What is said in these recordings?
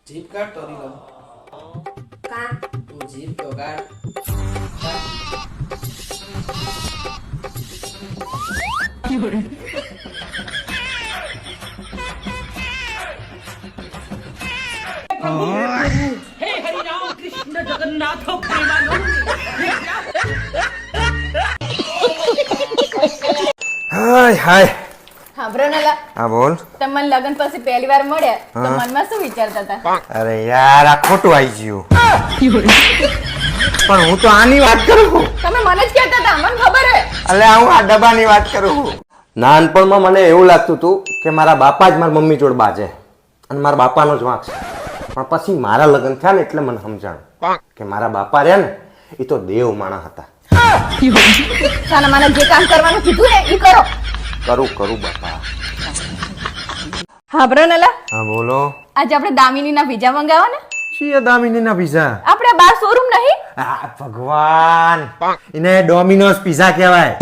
Jeep કાઢ તો રીલો કા તું જીપ તો કાઢ हे हरि राम कृष्ण जगन्नाथ प्रेमानंद હાય હાય હાંભળો નેલા હા બોલ તમને લગન પછી પહેલી વાર મળ્યા તો મનમાં શું વિચારતા હતા? અરે યાર આ ખોટું આવી ગયું પણ હું તો આની વાત કરું છું તમે મને જ કહેતા હતા, મને ખબર હે. એટલે હું આ ડબ્બાની વાત કરું છું. નાનપણમાં મને એવું લાગતું હતું કે મારા બાપા જ મારી મમ્મી જોડે બાજે અને મારા બાપાનો જ વાંક છે. પણ પછી મારા લગ્ન થયા ને એટલે મને સમજાણું કે મારા બાપા રહ્યા ને એ તો દેવ માણસ હતા. સાના માના જે કામ કરવાનું કીધું ને ઈ કરો. કરું બાપા. હાંભળો નેલા, હા બોલો. આજે આપણે દામિનીના પીઝા મંગાવવા ને? છીએ દામિનીના પીઝા? આપણે બાર શોરૂમ નહીં? આ ભગવાન, એને ડોમિનોઝ પીઝા કહેવાય.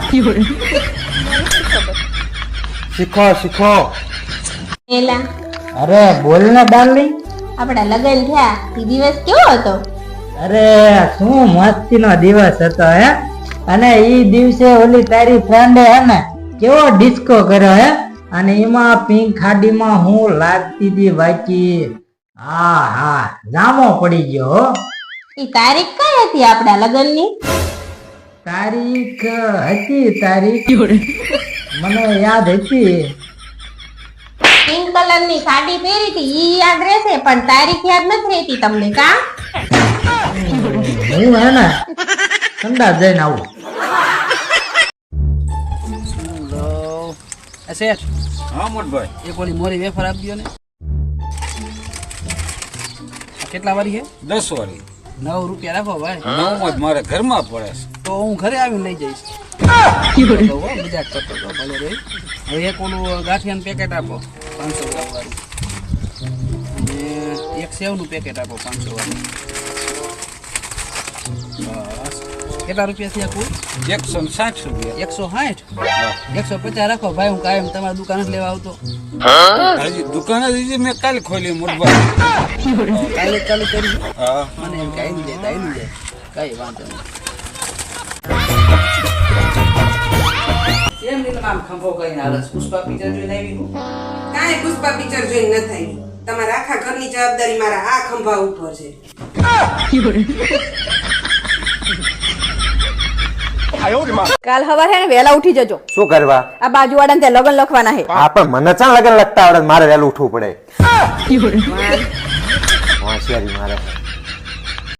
શીખો. એલા અરે બોલ ને ડાર્લિંગ. આપડા લગન થયા એ દિવસ કેવો હતો? અરે શું મસ્તીનો દિવસ હતો હે. અને ઈ દિવસે ઓલી તારી ફ્રેન્ડે હે ને કેવો ડિસ્કો કર્યો હે. અને એમાં પિંક ખાડીમાં હું લાગતી હતી બાકી હા જામો પડી ગયો હો. એ તારીખ કઈ હતી આપડા લગનની? તારીખ મને યાદ હતી. પિંક કલર ની સાડી પહેરી હતી ઈ યાદ રહેશે પણ તારીખ યાદ નથી રહેતી તમને કા? હું હે ને ઠંડા જઈને આવું. એ શેઠ હા મોટભાઈ, એક ઓલી મોરી વેફર આપી દો ને. આ કેટલા વાળી છે? 10 વાળી. 9 રૂપિયા રાખો ભાઈ. 9 જ મારે ઘરમાં પડે છે. તો હું ઘરે આવીને લઈ જઈશ. મજાક કરતો હતો ભલે રે. હવે એક ઓલું ગાંઠિયાનું પેકેટ આપો 500 ગ્રામ વાળું અને એક સેવનું પેકેટ આપો 500 વાળું. બસ કેટલા રૂપિયા થયા કુલ? 160 રૂપિયા. 160? 150 રાખો ભાઈ, હું કાયમ તમારી દુકાન જ લેવા આવતો. હજી દુકાન જ હજી મેં કાલે ખોલી મોટભાઈ. કાલે ચાલુ કરી. હા મને એમ કે આવી જાય કઈ વાંધો નહીં. કેમ નીલમ આમ ખંભો કરીને હાલસ? પુષ્પા પિક્ચર જોઈને આવી હું? કાંઈ પુષ્પા પિક્ચર જોઈને ન થઈ. તમારા આખા ઘરની જવાબદારી મારા આ ખંભા ઉપર છે. કાલ સવારે હે ને વહેલા ઉઠી જજો. શું કરવા? આ બાજુવાળાને ત્યાં લગન લખવાના હે. હા પણ મને ચાલ લગન લગતા આવડે, મારે વહેલું ઉઠવું પડે. હોશિયારી મારે.